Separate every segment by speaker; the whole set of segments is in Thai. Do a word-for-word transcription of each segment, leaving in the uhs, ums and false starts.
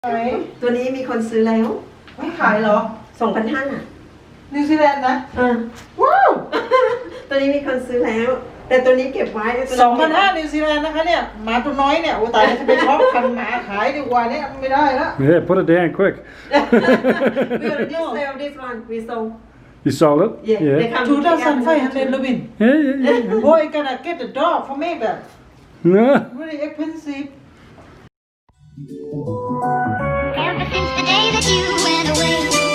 Speaker 1: ตัวนี้มีคนซื้อแล้ว
Speaker 2: ไม่ขายเหรอ
Speaker 1: สองพันห้า
Speaker 2: นิวซีแลนด์นะ
Speaker 1: เออว้าวตัวนี้มีคนซื้อแล้วแต่ตัวนี้เก็บไว้
Speaker 2: สองพันห้านิวซีแลนด์นะคะเนี่ยหมาตัวน้อยเนี่ยโอ้ตายจะไปช็อปพันหมาขายดีกว่าเนี่ยไม่ได้แล้ว
Speaker 3: Yeah, put it down quick.
Speaker 1: We already sell this one we sold
Speaker 3: You sold it?
Speaker 1: Yeah,
Speaker 3: Yeah.
Speaker 1: they come
Speaker 2: two thousand five hundred Robin
Speaker 3: Yeah, yeah, yeah.
Speaker 2: boy gonna get the dog for me that
Speaker 3: No.
Speaker 2: really expensive
Speaker 4: Ever since the day that you went away,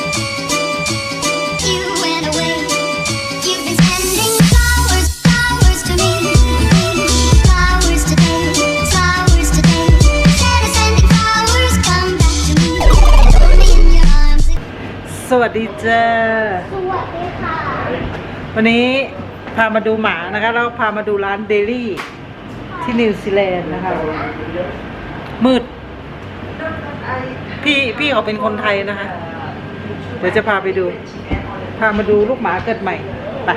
Speaker 4: you went away. You've been sending flowers, flowers to me, flowers today, flowers today. Instead of sending flowers, come back to me, hold me in your arms.
Speaker 2: สวัสดีจ้า
Speaker 4: สวัสดีค่ะ
Speaker 2: วันนี้พามาดูหมานะคะแล้วพามาดูร้านเดลี่ที่นิวซีแลนด์นะคะมืดพี่พี่เขาเป็นคนไทยนะคะเดี๋ยวจะพาไปดูพามาดูลูกหมาเกิดใหม่ไป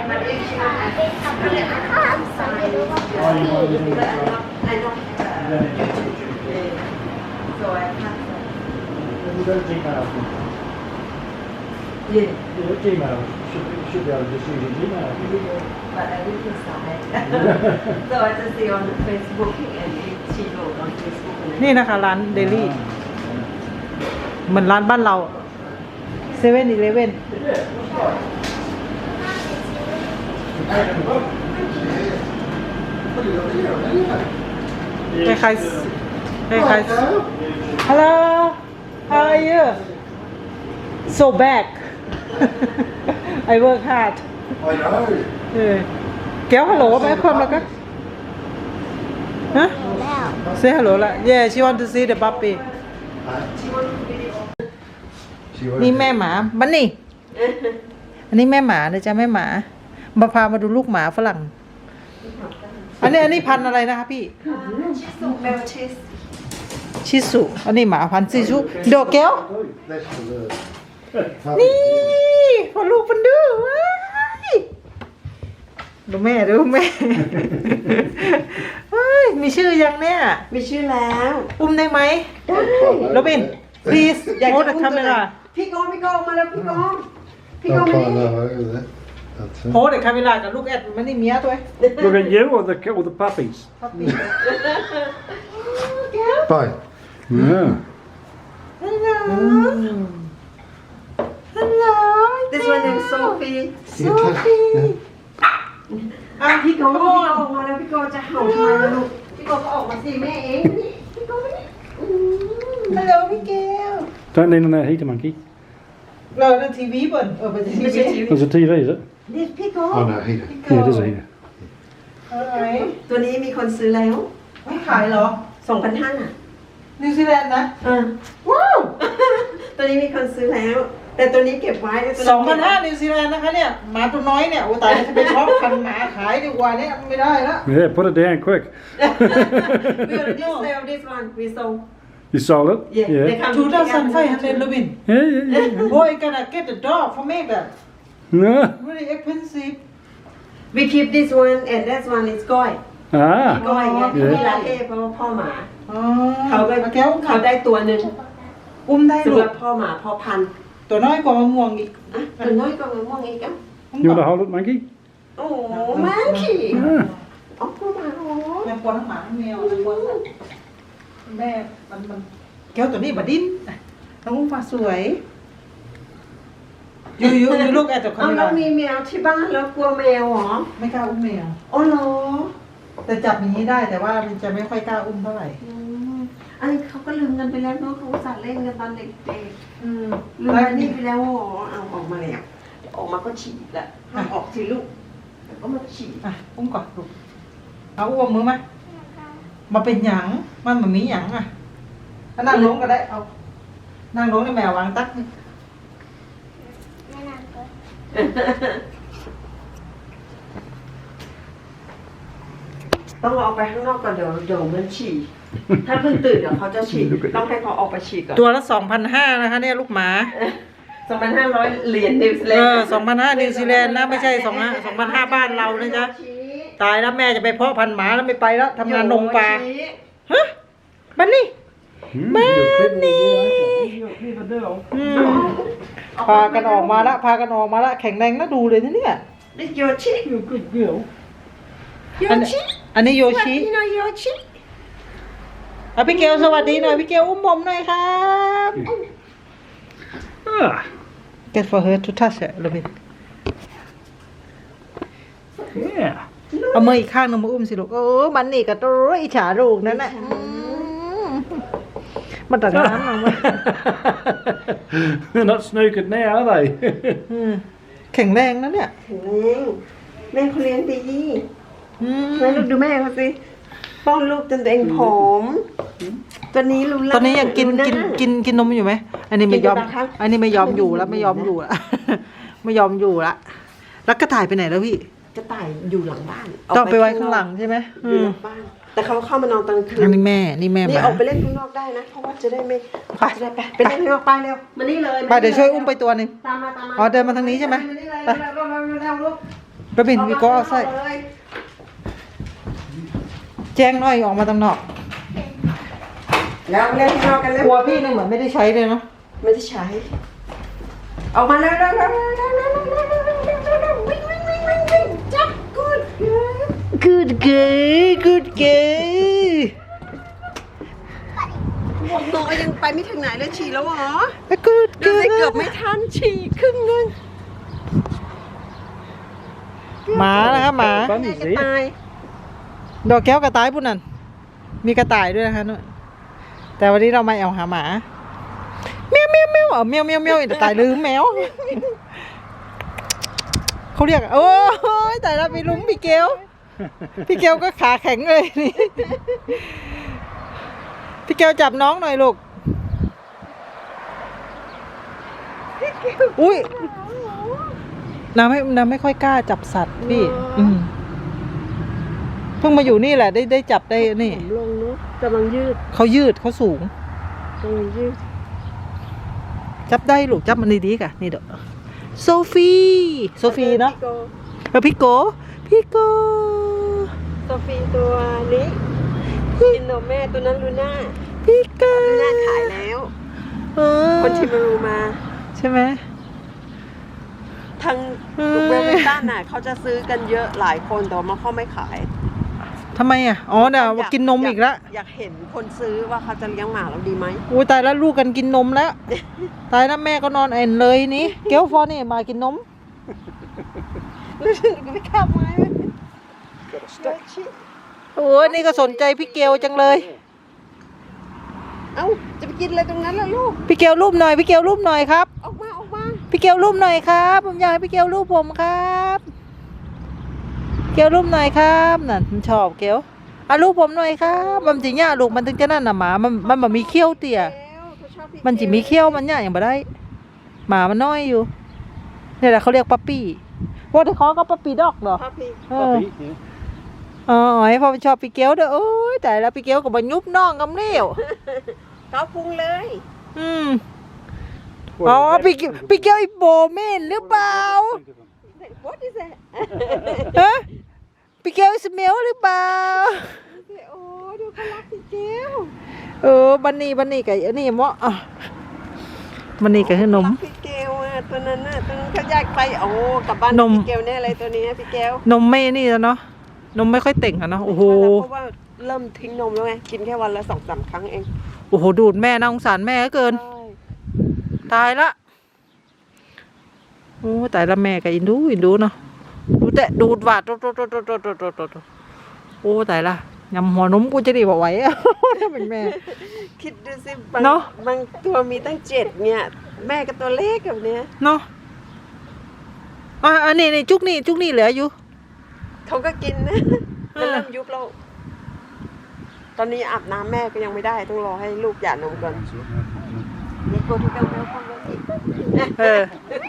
Speaker 1: Yeah.
Speaker 3: Yeah, Gmail. Should, should be able to just use your Gmail.
Speaker 1: But I didn't decide. So I just see on Facebook and she wrote on Facebook.
Speaker 2: นี่นะคะร้านเดลี่เหมือนร้านบ้านเราเซเว่นอีเลฟเว่นคล้ายๆคล้ายๆ Hello how are you so back I work hard
Speaker 5: I know.
Speaker 2: เออแก้วฮัลโหลไหมคนแล้วก็ฮะ say hello ละ yeah she want to see the puppy นี่แม่หมาบันนี่ อันนี้แม่หมานะจ๊ะแม่หมามาพามาดูลูกหมาฝรั่ง อันนี้อันนี้พันธุ์อะไรนะคะพี่
Speaker 1: ชิสุเบลชิส
Speaker 2: ชิสุอันนี้หมาพันธุ์ชิสุโดเกล
Speaker 5: That's for the
Speaker 2: นี่พอลูกมันดื้อว้ายดูแม่ดูแม่เฮ้ยมีชื่อยังเนี่ย
Speaker 1: มีชื่อแล้ว
Speaker 2: อุ้มได้ไหม
Speaker 1: ได้
Speaker 2: โรบิน please
Speaker 1: อยากจะ
Speaker 2: hold the
Speaker 1: อุ้มตัวไหน
Speaker 2: camera
Speaker 1: พี่โก้พี่โก้มาแล้วพี่โก้พี่โก้
Speaker 5: I'll
Speaker 1: มา
Speaker 5: climb
Speaker 1: นี่
Speaker 5: that over there. That's it.
Speaker 2: hold the camera กับลูกแอดมันนี่เมียตัว
Speaker 3: Look at you or the or the puppies?
Speaker 5: Bye.
Speaker 3: Yeah.
Speaker 2: Hello Hello
Speaker 1: This one is Sophie
Speaker 2: Sophie
Speaker 1: อ่ะพี่โก้พี่โก้ออกมาแล้วพี่โก้จะเห่าทำไมล่ะลูกพี่โก้ก็ออกมาสิแม่เองนี่พี่โก้มานี่อืม
Speaker 2: Hello พี่แก้ว
Speaker 3: Don't lean on that heater, monkey.
Speaker 2: เราในทีวีเปิดเออเป็นที
Speaker 1: ไม่ใช่
Speaker 2: วี
Speaker 1: ชีวิต
Speaker 3: There's a T V, is it?
Speaker 1: นี่พี่โก้
Speaker 5: Oh no, heater.
Speaker 3: Yeah, it is a heater.
Speaker 2: อะไร
Speaker 1: ตัวนี้มีคนซื้อแล้ว
Speaker 2: ไม่ขายเหรอ
Speaker 1: สองพันห้า
Speaker 2: นิวซีแลนด์นะ
Speaker 1: เออ
Speaker 2: ว้าว
Speaker 1: ตัวนี้มีคนซื้อแล้ว แต่ตัวนี้เก็บไว้ตัว
Speaker 2: สองพันห้านิวซีแลนด์นะคะเนี่ยหมาตัวน้อยเนี่ยโอ้ตายจะไปช็อปพันหมาขายดีกว่าเนี่ยไม่ได้แล้ว
Speaker 3: Yeah, put it down quick.
Speaker 1: We already sell this one we sold
Speaker 3: You sold it?
Speaker 1: Yeah, they
Speaker 3: Yeah.
Speaker 1: come
Speaker 2: two thousand five hundred Robin
Speaker 3: Yeah, yeah, yeah.
Speaker 2: boy gonna get the dog for me that
Speaker 3: No.
Speaker 2: really expensive
Speaker 1: we keep this one and that one is ก้อย
Speaker 3: Ah.
Speaker 1: ก้อยไง
Speaker 2: อ๋อ
Speaker 1: ที่มีลาเต้เพราะว่าพ่อหมา
Speaker 2: อ๋อ
Speaker 1: เขาก็
Speaker 2: แก้ว
Speaker 1: เขาได้ตัวหนึ่ง
Speaker 2: อุ้มได้
Speaker 1: สำ
Speaker 2: ลู
Speaker 1: หรั
Speaker 2: ก
Speaker 1: บพ่อหมาพ่อพันธุ์
Speaker 2: ตัวน้อยกว่ามะม่วงอีก
Speaker 1: อ่ะตัวน้อยก็มะม่วงอีกอ่ะ
Speaker 3: You want to hold it, monkey?
Speaker 1: โอ้โหแม่ขี่
Speaker 3: Ah.
Speaker 1: อ๋อพ่อหมาโอ้
Speaker 2: แม่ปวดทั้งหมาทั้งแมวทั้งคนแม่มันมันแก้วตัวนี้บดิ้นน้องอุ้มฟ้าสวยยูยูยูลูกแอดจากคา
Speaker 1: เอา
Speaker 2: เม
Speaker 1: แล้ว
Speaker 2: รา
Speaker 1: มีแมวที่บ้านแล้วกลัวแมวเหรอ
Speaker 2: ไม่กล้าอุ้มแมว
Speaker 1: อ๋อเหรอ
Speaker 2: แต่จับอย่างนี้ได้แต่ว่ามันจะไม่ค่อยกล้าอุ้มเท่าไหร่
Speaker 1: อืมอันนี้เขาก็ลืมกันไปแล้วเนาะเขาอุตส่าห์เล่นกันตอนเด็ก
Speaker 2: อืม
Speaker 1: ๆลืมอันนี้ไปแล้วอ๋อเอาออกมาแล้วเดี๋ยวออกมาก็ฉีดแหละห้ามออกสิลูกเดี๋ยวก็มาฉีด
Speaker 2: อ่ะอุ้มก่อนลูกเอาอุ้มมือมามาเป็นหยังมันเหมือนมีหยังอ่ะถ้านั่งลงก็ได้เอานั่งลงในแมววางตักนี่
Speaker 1: ต้องเอาไปข้างนอกก่อนเดี๋ยวเดี๋ยวมันฉี่ถ้าเพิ่งตื่นเดี๋ยวเขาจะฉี่ต้องให้เขาออกไปฉี่ก่อน
Speaker 2: ตัวละสองพันห้านะคะเนี่ยลูกหมา
Speaker 1: สองพันห้าร้อยเหรียญนิวซีแล
Speaker 2: เอน
Speaker 1: ด์
Speaker 2: อสองพันห้านิวซีแลนด์นะไม่ใช่สองสองพันห้าบ้านเรานะจ๊ะตายแล้วแม่จะไปเพาะพันธุ์หมาแล้วไม่ไปแล้วทำงานนมปลาฮะบันนี่
Speaker 3: Hmm,
Speaker 2: Man,
Speaker 3: you're fitting
Speaker 2: nee.
Speaker 3: in here, aren't
Speaker 2: อืมพากันออกมาละพากันออกมาละแข็งแรงน่าดูเลยนะเนี่ย
Speaker 1: นี่โยชิ
Speaker 3: you? You're a good girl.
Speaker 1: โย
Speaker 2: อัน
Speaker 1: ชิ
Speaker 2: อันนี้โย
Speaker 1: สวัส
Speaker 2: ชิ
Speaker 1: ดีหน่อยโยชิ
Speaker 2: อ่ะพี่เกลสวัสดีหน่อยพี่เกลอุ้มผมหน่อยครับ
Speaker 3: Ah,
Speaker 2: Get for her to touch it a little bit
Speaker 3: yeah.
Speaker 2: เอามืออีกข้างหนึงมาอุ้มสิลูกโอ้มันนี่กับตัวอิจฉาลูกนั่นแหละอืมมันตัดน้ำลงมา
Speaker 3: They're not snookered now, are they?
Speaker 2: อืมแข็งแรงนะเนี่ย
Speaker 1: แข็งแรงแม่เขาเลี้ยงดี
Speaker 2: อืม
Speaker 1: แม่ลูกดูแม่เขาสิป้อนลูกจนตัวเองผอมตัวนี้รู้แล้ว
Speaker 2: ตอนนี้ยังกินกินกินกินนมอยู่ไหมอันนี้ไม่ยอม
Speaker 1: กินอยู่นะคะ
Speaker 2: อันนี้ไม่ยอมอยู่แล้วไม่ยอมอยู่ละ ไม่ยอมอยู่ละแล้วกระต่ายไปไหนแล้วพี่
Speaker 1: กระต่ายอยู่หลังบ้าน
Speaker 2: ต้องไปไว้ข้างหลังใช่ไหม
Speaker 1: อ
Speaker 2: อื
Speaker 1: ยู่
Speaker 2: ม
Speaker 1: หลังบ้าน แต่เขาเข้ามานอนตอนคื
Speaker 2: อั
Speaker 1: น
Speaker 2: นนี้แม่นี่แม่
Speaker 1: นี่
Speaker 2: มา
Speaker 1: ออกไปเล่นข้างนอกได้นะ เพราะว่าจะได้ไม่
Speaker 2: ไป
Speaker 1: จะได้ไปไปเล่นข้างนอกไปเร็วมานี่เลย
Speaker 2: ไปเดี๋ยวช่วยอุ้มไปตัวหนึ่ง
Speaker 1: ตามมาตามมา
Speaker 2: อ๋อเดินมาทางนี้ใช่ไหม
Speaker 1: มานี่เลย
Speaker 2: ไป
Speaker 1: เร็วเร็วเร็วเร็วเร็วลูก
Speaker 2: ไปบินวีโก้เอาใส่
Speaker 1: ออกมาเลย
Speaker 2: แจ้งหน่อยออกมาตางนอก
Speaker 1: แล้วเล่นข้างนอกกันเร็ว
Speaker 2: กลัวพี่เนี่ยเหมือนไม่ได้ใช้เลยเนาะ
Speaker 1: ไม่ได้ใช้ ออกมาเร็วเร็วเร็วเร็วเร็วเร็วเร็วเร็วเร็ววิ่งวิ่งวิ่งวิ่งวิ่งจับกูด
Speaker 2: good girl good girl
Speaker 1: ตัวยังไปไม่ถึงไหนเลยฉี่แล้วเหรอ
Speaker 2: good
Speaker 1: ดู
Speaker 2: girl
Speaker 1: สิเกือบไม่ทันฉี่ครึ่งนึง
Speaker 2: หมานะครับหมา
Speaker 1: แม่จะตาย
Speaker 2: ดอกแก้วกระต่ายปุ่นนั่นมีกระต่ายด้วยนะคะนู่นแต่วันนี้เรามาเอาหาหมาเมียวเมียวเมียวเอาเมียวเมียวเมียวกระต่ายลืมแมวเขาเรียกโอ้ยแต่ละไปลุ้มพี่เกลพี่เกลก็ขาแข็งเลยนี่พี่เกลจับน้องหน่อยลูกอุ้ยน้ำไม่น้ำไม่ค่อยกล้าจับสัตว์พี่อืมเพิ่งมาอยู่นี่แหละได้ได้จับได้นี่
Speaker 1: ผมลงเนาะกำลังยืด
Speaker 2: เขายืดเขาสูง
Speaker 1: กำลังยืด
Speaker 2: จับได้ลูกจับมันดีๆกะนี่เด้อโซฟีโซฟีเนาะเออพี่โกพี่โก
Speaker 1: โซฟีตัวนี้กินนมแม่ตัวนั้นลูน่า
Speaker 2: พี่โก
Speaker 1: ลูน่าขายแล้ว
Speaker 2: เออ
Speaker 1: คนชิมารูมา
Speaker 2: ใช่ไหม
Speaker 1: ทางลูกเวลเวตันน่ะเขาจะซื้อกันเยอะหลายคนแต่ว่าเขาไม่ขาย
Speaker 2: ทำไมอ่ะอ๋อเดี๋ยวกินนมอีกแล้ว
Speaker 1: อยากเห็นคนซื้อว่าเขาจะเลี้ยงหมาเราดีไหม
Speaker 2: อุ้ยตายแล้วลูกกันกินนมแล้ว ตายแล้วแม่ก็นอนเอ็นเลยนี่เกลฟอนี่มากินนม
Speaker 1: รู้สึกไม่ขับไม้ไหม
Speaker 2: โอ้ยนี่ก็สนใจพี่เกลจังเลย
Speaker 1: เอ้าจะไปกินอะไรตรงนั้นล่ะลูก
Speaker 2: พี่เกลรูปหน่อยพี่เกลรูปหน่อยครับ
Speaker 1: ออกมาออกมา
Speaker 2: พี่เกลรูปหน่อยครับผมอยากให้พี่เกลรูปผมครับเกลรูปหน่อยครับนั่นมันชอบเกลอ่ะรูปผมหน่อยครับมันจริงเนี่ยลูกมันถึงจะนั่นน่ะหมามันมันแบบมีเขี้ยวเตี่ย
Speaker 1: เขาชอบพี่
Speaker 2: มันจิมีเขี้ยวมันเนี่ยอย่างบ่ได้ หมามันน้อยอยู่เนี่ยแหละเขาเรียกปั๊ปปี้ว่าที่เขาก็ปั๊ปปี้ด็อกเหรอ
Speaker 1: พ่อพี่
Speaker 2: เออ
Speaker 3: Puppy, yeah.
Speaker 2: อ๋อไอ้พอมันชอบพี่เกลเด้อโอ้ยแต่แล้วพี่เกลก็มายุบน้องกำเลี้ยว
Speaker 1: เขาพุงเลย
Speaker 2: อืมอ๋อพี่เกลพี่เกลไอ้โบเมนหรือเปล่า
Speaker 1: What is that
Speaker 2: ฮะพี่เกลสเมลหรือเปล่า
Speaker 1: โอ้ดูเขารักพี่เกล
Speaker 2: เออบันนี่บันนี่กับอันนี้เหมาะอ่ะบันนี่กับขนม
Speaker 1: รักพี่เกลอ่ะตัวนั้นน่ะตัวนั้นเขาอยากไปโอ้กลับบ้าน
Speaker 2: นม
Speaker 1: พี่เกลแน่เลยตัวนี้พี่เกล
Speaker 2: นมไม่นี่แล้วเนาะนมไม่ค่อยเต่งอะเนาะโอ้โห
Speaker 1: เพราะว่าเริ่มทิ้งนมแล้วไงกินแค่วันละสองสามครั้งเอง
Speaker 2: โอ้โหดูดแม่น่าสงสารแม่เหลือเกิน
Speaker 1: ใช่
Speaker 2: ตายละโอ้ตายละแม่กับอินดูอินดูเนาะดูแต่ดูดหวาดโตโตโตโตโตโตโตโตโอ้ตายละยำหัวนมกูจะดีบอกไหวอะ ถ้าเป็นแม่
Speaker 1: คิดดูสิบาง
Speaker 2: เนอะ
Speaker 1: บางตัวมีตั้งเจ็ดเนี่ยแม่กับตัวเล็กแบบเนี้ย
Speaker 2: เนาะอ่ะอันนี้นี่จุกนี่จุกนี่เหลืออยู่
Speaker 1: เขาก็กินนะ
Speaker 2: เอ
Speaker 1: มัน
Speaker 2: อ
Speaker 1: เริ่มยุบแล้วตอนนี้อาบน้ำแม่ก็ยังไม่ได้ต้องรอให้ลูกหย่านมก่อนเด็กโกที่กันแล้วคนละที
Speaker 2: เออ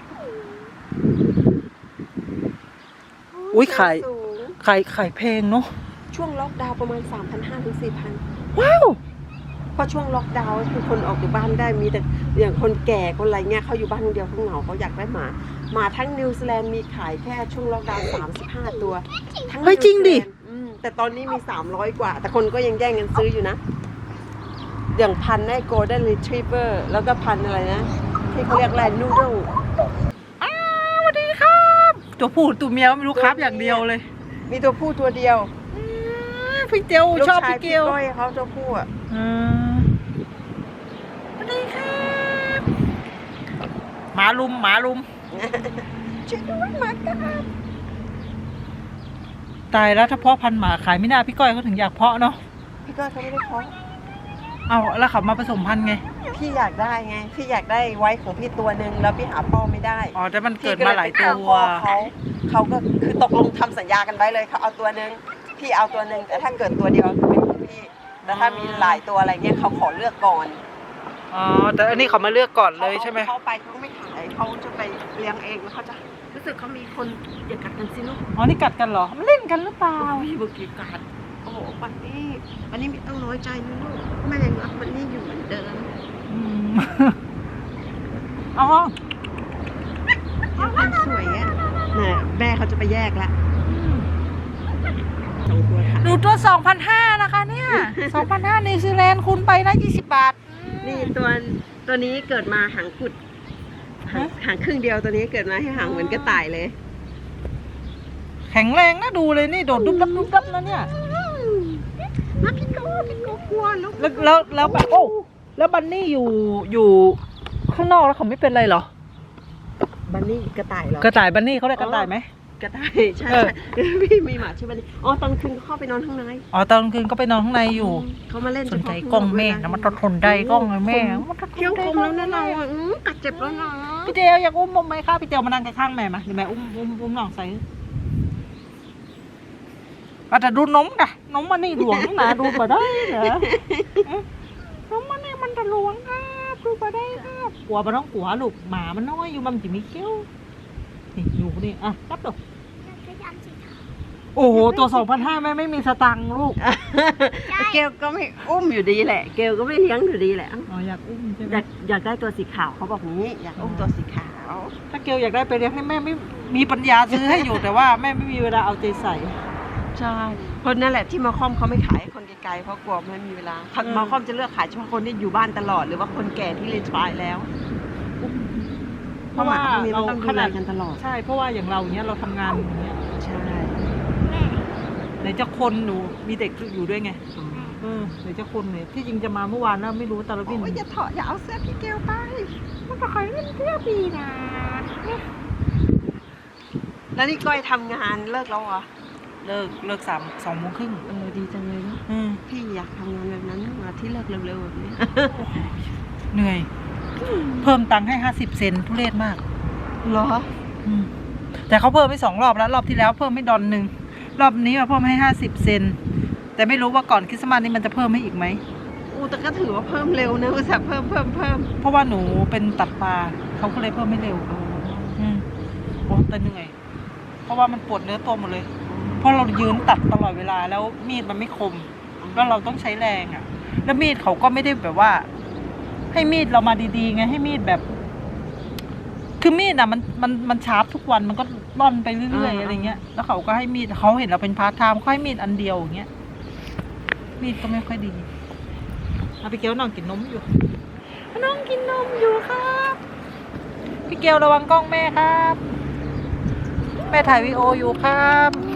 Speaker 2: อุ๊ยไข่
Speaker 1: สูง
Speaker 2: ไข่ไข่แพงเนาะ
Speaker 1: ช่วงล็อกดาวน์ประมาณ สามพันห้าร้อย ถึง สี่พัน
Speaker 2: ว้าว
Speaker 1: เพราะช่วงล็อกดาวน์คือคนออกจากบ้านได้มีแต่อย่างคนแก่คนอะไรเงี้ยเขาอยู่บ้านคนเดียวเขาเหงาเขาอยากได้หมาหมาทั้งนิวซีแลนด์มีขายแค่ช่วงล็อกดาวน์สามสิบห้าตัวทั้ง
Speaker 2: เฮ้ยจริงดิ
Speaker 1: นิวซีแลนด์อืมแต่ตอนนี้มีสามร้อยกว่า แต่คนก็ยังแย่งกันซื้ออยู่นะ เอย่างพันธุ์ไอ้ golden retriever แล้วก็พันธุ์อะไรนะ ที่เขาเรียกอะไร noodle
Speaker 2: อ้าวสวัสดีครับ ตัวผู้ตัวเมียไม่รู้ครับอย่างเดียวเลย
Speaker 1: มีตัวผู้ตัวเดียว
Speaker 2: อืมพี่เจียว
Speaker 1: ลูก
Speaker 2: ชอบ
Speaker 1: ชาย
Speaker 2: พี่เก
Speaker 1: พี่
Speaker 2: ล
Speaker 1: ก้อยเขาตัวผู้อ่ะ
Speaker 2: อืมสวัสดีครับหมาลุมหมาลุม
Speaker 1: ช่วยด้วยหมากัด
Speaker 2: ตายแล้วถ้าเพาะพันธุ์หมาขายไม่น่าพี่ก้อยเขาถึงอยากเพาะเนาะ
Speaker 1: พี่ก้อยเขาไม่ได้เพาะ
Speaker 2: เอาแล้วเขามาผสมพันธุ์ไง
Speaker 1: พี่อยากได้ไง พี่อยากได้ไว้ของพี่ตัวหนึ่งแล้วพี่หาพ่อไม่ได้
Speaker 2: อ๋อแต่มันเกิด
Speaker 1: พี่
Speaker 2: มาหลายตั
Speaker 1: ไปห
Speaker 2: ว
Speaker 1: พ่อเขาเขาก็คือตกลงทำสัญญากันไว้เลยเขาเอาตัวหนึ่งพี่เอาตัวหนึ่งแต่ถ้าเกิดตัวเดียวเป็นของพี่แต่ถ้ามีหลายตัวอะไรเงี้ยเขาขอเลือกก่อน
Speaker 2: อ๋อแต่อันนี้เขามาเลือกก่อนเลยใช่ไหม
Speaker 1: เขาไปเขาไม่ขายเขาจะไปเลี้ยงเองแล้วเขาจะรู้สึกเขามีคนอย่ากัดกันสิลูก
Speaker 2: อ๋อนี่กัดกันเหรอมันเล่นกันหรือเปล่า
Speaker 1: พี่บุกีกัดโอ้โหปันนี่ปันนี่ไม่ต้องน้อยใจนะลูกแม่ยังรักมันนี่อยู่เหมือนเดิม
Speaker 2: อืมอ๋อ
Speaker 1: ยังคนสวยอ่ะเนี่ยแม่เขาจะไปแยกละสองตัวค่ะ
Speaker 2: ดูตัว สองพันห้าร้อย นะคะเนี่ย สองพันห้าร้อยนิวซีแลนด์คูณไปนะยี่สิบบาท
Speaker 1: นี่ตัวตัวนี้เกิดมาหางกุดหางหางครึ่งเดียวตัวนี้เกิดมาให้หางเหมือนกระต่ายเลย
Speaker 2: แข็งแรงนะดูเลยนี่โดดดุ๊บดับดุ๊บดับนะเนี่ย
Speaker 1: มาพี่โก้พี่โก้กลัวลูก
Speaker 2: แล้วแล้วแล้วแบบโอ้แล้วบันนี่อยู่อยู่ข้างนอกแล้วเขาไม่เป็นไรเหรอ
Speaker 1: บันนี่กระต่ายเหรอก
Speaker 2: ระต่ายบันนี่เขาเรียกกระต่ายไหม
Speaker 1: กระต่ายใช่
Speaker 2: เออ
Speaker 1: ใช่พี่มีหมาชื่อบันนี่อ๋อตอนคืนเขาเข้าไปนอนข้างใน
Speaker 2: อ๋อตอนกลางคืนก็ไปนอนข้างในอยู่
Speaker 1: เขามาเล่น
Speaker 2: สนใจ
Speaker 1: เฉพาะ
Speaker 2: กล้องแม่นะมันทนได้กล้องเลยแม่มันทน
Speaker 1: เที่ยวคมแล้วนะเราอ่ะอื้อกัดเจ็บแล้วนะ
Speaker 2: พี่เจลอยากอุ้มผมไหมคะพี่เจลมานั่งข้างๆแม่มาเดี๋ยวแม่อุ้มอุ้มอุ้มน้องใส่อาจจะดูนมกะนมมันนี่หลวงนะดูมาได้เหรอเอ๊ะนมมันนี่มันจะหลวงครับดูมาได้ครับกลัวมันต้องกลัวลูกหมามันน้อยอยู่มันจะมีเขี้ยวนี่อยู่นี่อ่ะรับดูโอ้โหตัวสองพันห้าแม่ไม่มีสตังค์ลูก
Speaker 1: เกลก็ไม่อุ้มอยู่ดีแหละ เกลก็ไม่เลี้ยงอยู่ดีแหละ
Speaker 2: อ๋ออยากอุ้มใช่ไหม
Speaker 1: อยากอยากได้ตัวสีขาวเขาบอกงี้อยากอุ้มตัวสีขาว
Speaker 2: ถ้าเกลอยากได้ไปเลี้ยงให้แม่ไม่มีปัญญาซื้อให้อยู่ แต่ว่าแม่ไม่มีเวลาเอาใจใส่
Speaker 1: ใช่คนนั่นแหละที่มาคอมเขาไม่ขายให้คนไกลๆเพราะกลัวไม่มีเวลา
Speaker 2: อืม
Speaker 1: มาคอมจะเลือกขายเฉพาะคนที่อยู่บ้านตลอดหรือว่าคนแก่ที่รีทรายแล้ว เพราะหมาพวกนี้มันต้องดูแลกันตลอด
Speaker 2: ใช่เพราะว่าอย่างเราอย่างเงี้ยเราทำงานอย่างเงี้ย
Speaker 1: ใช่
Speaker 2: ไหนจะคนหนูมีเด็กอยู่ด้วยไงเออไหนจะคนเนี่ยที่จริงจะมาเมื่อวานนะไม่รู้ตาลบิน
Speaker 1: โอ้ยอย่าเถาะอย่าเอาเสื้อพี่เกลไป
Speaker 2: มันก็ขายเล่นเที่ยวปีนะ
Speaker 1: แล้วนี่ก้อยทำงานเลิกแล้วเหรอ
Speaker 2: เลิกเลิกสามสองโมงครึ่ง
Speaker 1: เออดีจังเลยเนาะ
Speaker 2: อืม
Speaker 1: พี่อยากทำงานแบบนั้นมาที่เลิกเร็วๆแบบนี้
Speaker 2: เหนื่อย เพิ่มตังค์ให้ห้าสิบเซนทุเรศมาก
Speaker 1: เหรอ
Speaker 2: อืมแต่เขาเพิ่มไปสองรอบแล้วรอบที่แล้วเพิ่มให้ดอนหนึ่งรอบนี้มาเพิ่มให้ห้าสิบเซนแต่ไม่รู้ว่าก่อนคริสต์มาสนี้มันจะเพิ่มให้อีกไหม
Speaker 1: อูแต่ก็ถือว่าเพิ่มเร็วนะอุตส่าห์เพิ่มเพิ่มเพิ่ม
Speaker 2: เพราะว่าหนูเป็นตัดปลาเขาก็เลยเพิ่มให้เร็วอืมโอ้แต่เหนื่อยเพราะว่ามันปวดเนื้อตัวหมดเลย เพราะเรายืนตัดตลอดเวลาแล้วมีดมันไม่คมแล้วเราต้องใช้แรงอ่ะ แล้วมีดเขาก็ไม่ได้แบบว่า ให้มีดเรามาดีๆไงให้มีดแบบ คือมีดอ่ะมันมันมันชาร์ปทุกวันมันก็ร่อนไปเรื่อยๆอะไรเงี้ยแล้วเขาก็ให้มีดเขาเห็นเราเป็นพาร์ทไทม์เขาให้มีดอันเดียวอย่างเงี้ยมีดก็ไม่ค่อยดีเอาพี่เกลน้องกินนมอยู่น้องกินนมอยู่ครับพี่เกลระวังกล้องแม่ครับแม่ถ่ายวีดีโออยู่ครับ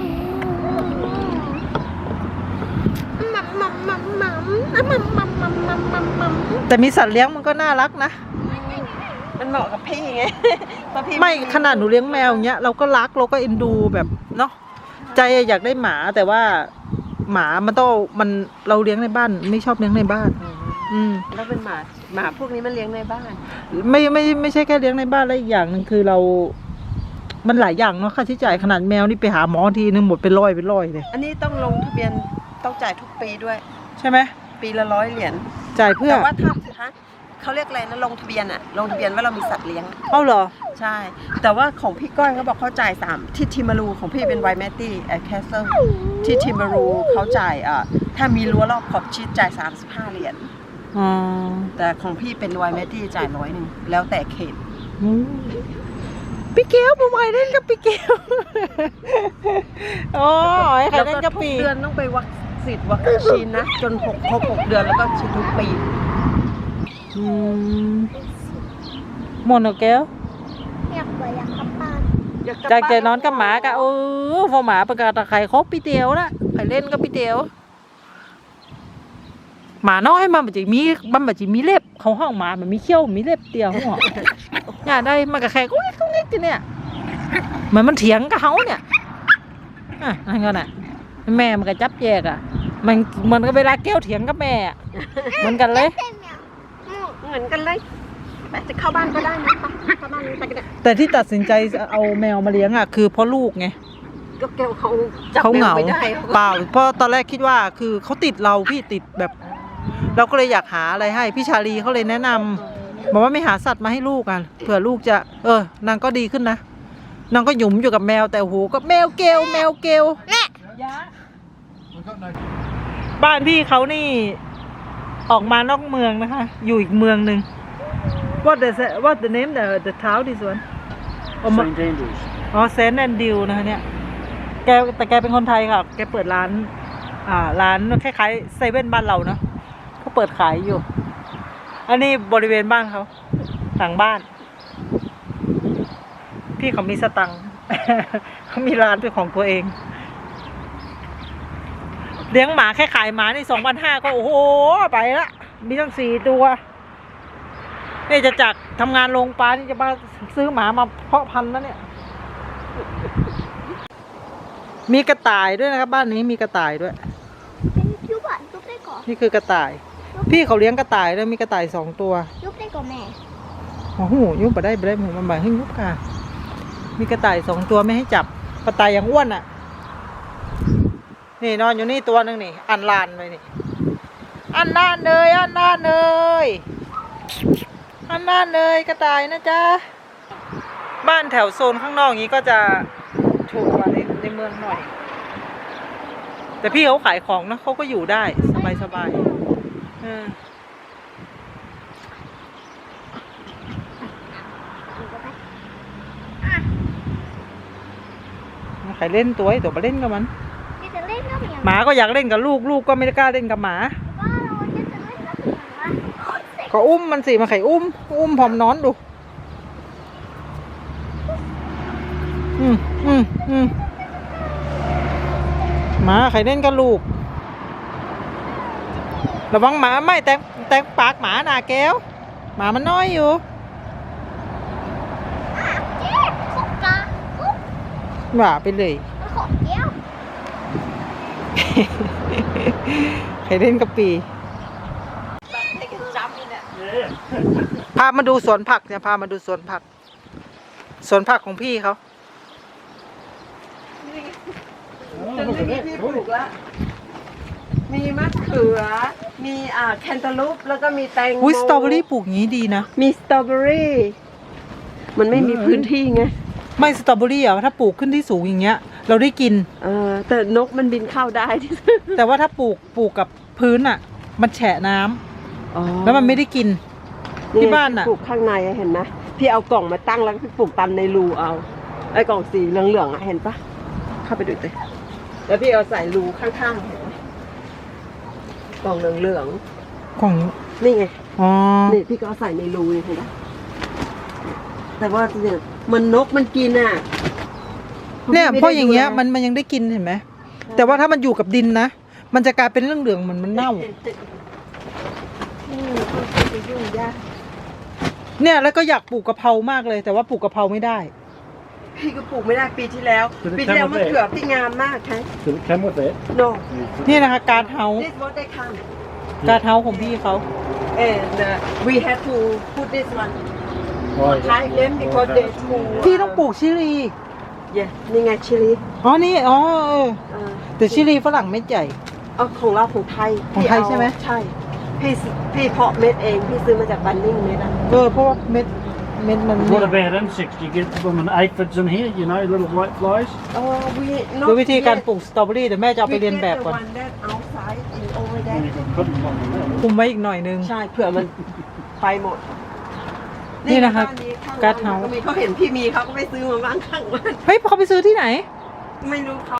Speaker 1: มัมมัมมัมมัมมัมมัมมัมมัมมัมมัม
Speaker 2: แต่มีสัตว์เลี้ยงมันก็น่ารักนะ
Speaker 1: มันเหมาะกับพี่ไงเพราะพี่
Speaker 2: ไม่ขนาดหนูเลี้ยงแมวอย่างเงี้ยเราก็รักเราก็เอ็นดูแบบเนาะใจอยากได้หมาแต่ว่าหมามันต้องมันเราเลี้ยงในบ้านไม่ชอบเลี้ยงในบ้าน อืม
Speaker 1: แล้วเป็นหมาหมาพวกนี้มันเลี้ยงในบ้าน
Speaker 2: ไม่ไม่ไม่ใช่แค่เลี้ยงในบ้านแล้วอีกอย่างหนึ่งคือเรา มันหลายอย่างเนาะค่าใช้จ่ายขนาดแมวนี่ไปหาหมอทีนึงหมดเป็นร้อยเป็นร้อยเลย
Speaker 1: อันนี้ต้องลงทะเบียนต้องจ่ายทุกปีด้วย
Speaker 2: ใช่ไหม
Speaker 1: ปีละร้อยเหรียญ
Speaker 2: จ่ายเพื่อ
Speaker 1: แต่ว่าถ้าฮะเขาเรียกอะไรนะลงทะเบียนอะลงทะเบียนว่าเรามีสัตว์เลี้ยงอะ
Speaker 2: เอาเหรอ
Speaker 1: ใช่ แต่ว่าของพี่ก้อยเขาบอกเขาจ่ายสามที่ทิมารูของพี่เป็นไวแมตตี้แอคแคสเซิลที่ทิมารูเขาจ่ายอ่ะถ้ามีรั้วรอบขอบชิดจ่ายสามสิบห้าเหรียญ
Speaker 2: อ๋อ
Speaker 1: แต่ของพี่เป็นไวแมตตี้จ่ายร้อยหนึ่งแล้วแต่เขต
Speaker 2: อืมพี่เกลผมไปเล่นกับพี่เกลอ๋อไอ้ใคร
Speaker 1: แล้ว
Speaker 2: เล่น
Speaker 1: ก็
Speaker 2: กับ
Speaker 1: ทุก
Speaker 2: ปี
Speaker 1: เดือนต้องไปวัคซีนวัคซีนนะ จนหกครบหกเดือนแล้วก็ฉีดทุกปี
Speaker 2: อืมหมดแล้วแก้ว
Speaker 4: อยากไปอยากกลับบ้าน
Speaker 2: จากจะนอนกับหมากะเออพอหมาประกาศตะไคร่ครบพี่เตียวละไปเล่นกับพี่เตียวหมาน้อยมันแบบจะมีมันแบบจะมีเล็บเขาห้องหมามันมีเขี้ยวมีเล็บเตียวเขาบอกอยากได้มันกับแขกก็เล็กเล็กทีเนี่ยเหมือนมันเถียงกับเขาเนี่ยอ่ะนั่นก็น่ะแม่มันก็จับแยกอ่ะมันมันก็เวลาแก้วเถียงกับแม่อะเหมือนกันเลย
Speaker 4: เต็มเนี่ยอืม
Speaker 1: เหมือนกันเลยไปจะเข้าบ้านก็ได้นะไปเข้าบ้านไปกันเนี่ย
Speaker 2: แต่ที่ตัดสินใจเอาแมวมาเลี้ยงอ่ะคือเพราะลูกไง
Speaker 1: ก็แกวเขาจับ
Speaker 2: เขา
Speaker 1: แม
Speaker 2: เห
Speaker 1: ว
Speaker 2: งา
Speaker 1: ไม่ได้
Speaker 2: เปล่าเพราะตอนแรกคิดว่าคือเขาติดเราพี่ติดแบบ เราก็เลยอยากหาอะไรให้พี่ชาลีเขาเลยแนะนำบอกว่าไม่หาสัตว์มาให้ลูกอ่ะเผื่อลูกจะ เออนางก็ดีขึ้นนะนางก็หยุมอยู่กับแมวแต่โอ้โหก็แมวเกลแมวเกล
Speaker 5: We've got no.
Speaker 2: บ้านพี่เขานี่ออกมานอกเมืองนะคะ อยู่อีกเมืองหนึ่ง What the What the name the the town this one อ๋อ
Speaker 3: Saint Andrews.
Speaker 2: อ๋อเซนต์แอนดิวนะคะเนี่ยแกแต่แกเป็นคนไทยค่ะแกเปิดร้าน อ่าร้านคล้ายๆเซเว่นบ้านเราเนาะเขาเปิดขายอยู่ อันนี้บริเวณบ้านเขาหลังบ้าน พี่เขามีสตังค์ เขามีร้านเป็นของตัวเอง เลี้ยงหมาแค่ขายหมานี่สองพันห้าก็โอ้โหไปละมีตั้งสี่ตัวนี่จะจากทำงานโรงปลานี่จะมาซื้อหมามาเพาะพันธุ์แล้วเนี่ย มีกระต่ายด้วยนะครับบ้านนี้มีกระต่ายด้วย
Speaker 4: เป็นยุบอ่ะยุบได้ก่อน
Speaker 2: นี่คือกระต่าย พี่เขาเลี้ยงกระต่ายด้วยมีกระต่ายสองตัว
Speaker 4: ยุบได้ก่อนแม่
Speaker 2: โอ้โหยุบไปได้ไปได้หมูมันบ่ายให้ยุบค่ะ มีกระต่ายสองตัวไม่ให้จับกระต่ายอย่างอ้วนอ่ะ นี่นอนอยู่นี่ตัวหนึ่งนี่ อันลานไปนี่ อันลานเลยอันลานเลยอันลานเลยกระต่ายนะจ๊ะ บ้านแถวโซนข้างนอกนี้ก็จะถูกกว่าในในเมืองหน่อย แต่พี่เขาขายของนะเขาก็อยู่ได้สบายสบายๆเออใครเล่นตัวไอ้ตัวมาเล่นกับมัน
Speaker 4: ที่จะเล่นก็เหมือน
Speaker 2: หมาก็อยากเล่นกับลูกลูกก็ไม่ได้กล้าเล่นกับหมา
Speaker 4: ว่าเราจะจะเล่นก็เหมือนว่าโอ๊ยเสร็จ
Speaker 2: ก็อุ้มมันสิมาไข่อุ้ม อุ้มพร้อมนอนดู อืมอืมอืมหมาไข่เล่นกับลูก ระวังหมาไม่แต่แต่ปากหมาหนาแก้ว หมามันน้อยอยู่
Speaker 4: เจ๊ขบกาคุบ
Speaker 2: ว่าไปเลย
Speaker 4: มันขบแก้ว
Speaker 2: ไข่เล่นกับปี พามาดูสวนผักเนี่ยพามาดูสวนผัก สวนผักของพี่เขา
Speaker 1: จนไม่มีที่ปลูกละมีมะเขือ มีอ่าแคนตาลูปแล้วก็มีแตงโม
Speaker 2: อุ้ยสตรอเบอรี่ปลูกอย่างนี้ดีนะ
Speaker 1: มีสตรอเบอรี่ มันไม่มีพื้นที่ไง
Speaker 2: ไม่สตรอเบอรี่อ่ะถ้าปลูกขึ้นที่สูงอย่างเงี้ย เราได้กิน
Speaker 1: เออแต่นกมันบินเข้าได้ที่
Speaker 2: แต่ว่าถ้าปลูกปลูกกับพื้นอ่ะ มันแฉะน้ำ
Speaker 1: อ๋อ
Speaker 2: แล้วมันไม่ได้กิน ที่บ้านน่ะ
Speaker 1: ปลูกข้างในอะเห็นไหมพี่เอากล่องมาตั้งแล้วพี่ปลูกตามในรูเอาไอ้กล่องสีเหลืองๆอะเห็นปะเข้าไปดูสิแล้วพี่เอาใส่รูข้างๆเห็นไหมกล่องเหลือง
Speaker 2: ของ
Speaker 1: ๆนี่ไง
Speaker 2: อ๋อ
Speaker 1: นี่พี่ก็เอาใส่ในรูนี่เห็นปะแต่ว่าเนี่ยมันนกมันกินอ่ะ
Speaker 2: เนี่ยเพราะอย่างเงี้ย
Speaker 1: มั
Speaker 2: มันมันยังได้กินเห็นไหมแต่ว่าถ้ามันอยู่กับดินนะมันจะกลายเป็นเรื่องเหลืองๆเหมือนมันเน่า
Speaker 1: อืมไปยุ่งยาก
Speaker 2: เนี่ยแล้วก็อยากปลูกกะเพรามากเลย แต่ว่าปลูกกะเพราไม่ได้
Speaker 1: พี่ก็ปลูกไม่ได้ปีที่แล้ว ปีที่แล้วมะเขือพี่งามมากใช่
Speaker 3: Did it come with it?
Speaker 1: no
Speaker 2: นี่นะคะการเฮา
Speaker 1: this what they come
Speaker 2: การเฮาของพี่เขา
Speaker 1: and uh, we had to put this one
Speaker 3: Right.
Speaker 1: hide them because they too
Speaker 2: พี่ต้องปลูกชิลี
Speaker 1: yeah นี่ไงชิลี
Speaker 2: อ๋อนี่อ๋อเออ
Speaker 1: เออ
Speaker 2: แต่ชิลีฝรั่งเม็ดใหญ่
Speaker 1: เอาของเราของไทย
Speaker 2: ของไทย
Speaker 1: พี่เา
Speaker 2: ใช่ไหม
Speaker 1: ใช่พี่ซื้อพี่เพาะเม็ดเองพี่ซื้อมาจากบันนิ่งเม็ดอ่ะ
Speaker 2: เออเพราะว่าเม็ดเม็ดมัน
Speaker 3: What about insects? Do you get them in aphids in here? You know, little white flies?
Speaker 1: เออ we
Speaker 2: ดูวิธีการปลูกสตรอเบอรี่เดี๋ยวแม่จะเอาไปเรียนแบบก่อน
Speaker 1: we get the one that outside and over
Speaker 3: And
Speaker 1: there
Speaker 3: you can put them on the
Speaker 2: คุมไว้อีกหน่อยนึง
Speaker 1: ใช่เผื่อมันไปหมด
Speaker 2: นี่นะคะ
Speaker 1: บ้ข้ง
Speaker 2: การ์ดเฮา
Speaker 1: ก็มีเขาเห็นพี่มีเขาก็ไปซื้อมาบ้างข้างบ้าน
Speaker 2: เฮ้ยเขาไปซื้อที่ไหน
Speaker 1: ไม่รู้เขา